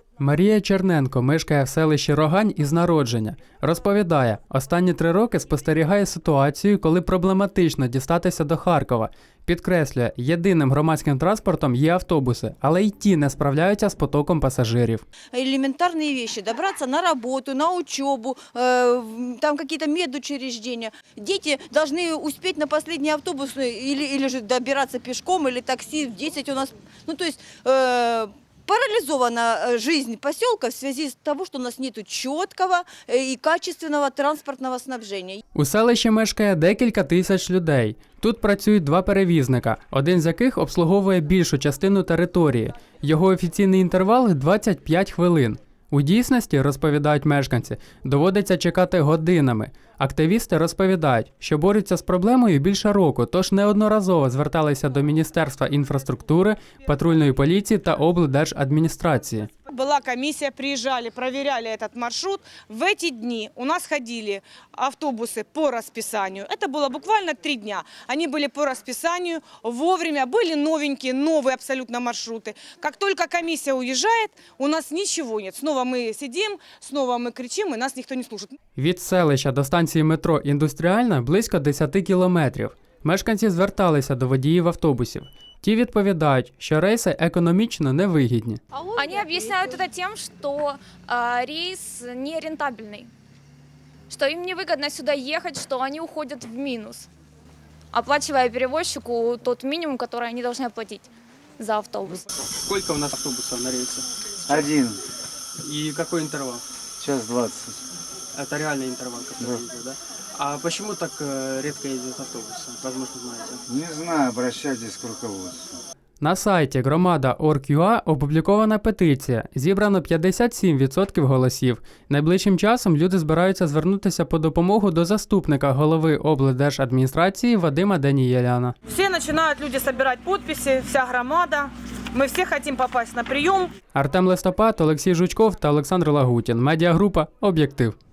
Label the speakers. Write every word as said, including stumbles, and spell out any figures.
Speaker 1: Марія Черненко мешкає в селищі Рогань із народження. Розповідає, останні три роки спостерігає ситуацію, коли проблематично дістатися до Харкова. Підкреслює, єдиним громадським транспортом є автобуси, але й ті не справляються з потоком пасажирів.
Speaker 2: Элементарные вещи, добраться на работу, на учебу, э, там какие-то медучреждения. Дети должны успеть на последний автобус или, или же добираться пешком, или такси в десять у нас. Ну, то есть э, парализована жизнь поселка в связи с того, что у нас нет четкого и качественного транспортного снабжения.
Speaker 1: У селищі мешкає декілька тисяч людей. Тут працюють два перевізника, один з яких обслуговує більшу частину території. Його офіційний інтервал – двадцять п'ять хвилин. У дійсності, розповідають мешканці, доводиться чекати годинами. Активісти розповідають, що борються з проблемою більше року, тож неодноразово зверталися до Міністерства інфраструктури, патрульної поліції та облдержадміністрації.
Speaker 3: Была комиссия, приезжали, проверяли этот маршрут. В эти дни у нас ходили автобусы по расписанию. Это было буквально три дня. Они были по расписанию, вовремя, были новенькие, новые абсолютно маршруты. Как только комиссия уезжает, у нас ничего нет. Снова мы сидим, снова мы кричим, и нас никто не слушает.
Speaker 1: Від селища до станції метро «Індустріальна» близько десять кілометрів. Мешканці зверталися до водіїв автобусів. Ті відповідають, що рейси економічно невигідні.
Speaker 4: Они объясняют это тем, что э, рейс нерентабельный, что им невыгодно сюда ехать, что они уходят в минус, оплачивая перевозчику тот минимум, который они должны оплатить за автобус.
Speaker 1: Сколько у нас автобусов на рейсе?
Speaker 5: Один,
Speaker 1: И какой интервал?
Speaker 5: час двадцать.
Speaker 1: Это реальный интервал, который
Speaker 5: Да.
Speaker 1: идет, да? А почему так э, редко ездят автобусы? Возможно, знаете.
Speaker 5: Не знаю, обращайтесь к руководству.
Speaker 1: На сайті громада точка орг точка ю а опублікована петиція. Зібрано п'ятдесят сім відсотків голосів. Найближчим часом люди збираються звернутися по допомогу до заступника голови облдержадміністрації Вадима Данієляна.
Speaker 3: Все начинают люди собирать подписи, вся громада. Мы все хотим попасть на прием.
Speaker 1: Артем Листопад, Олексій Жучков та Олександр Лагутін. Медіагрупа «Об'єктив».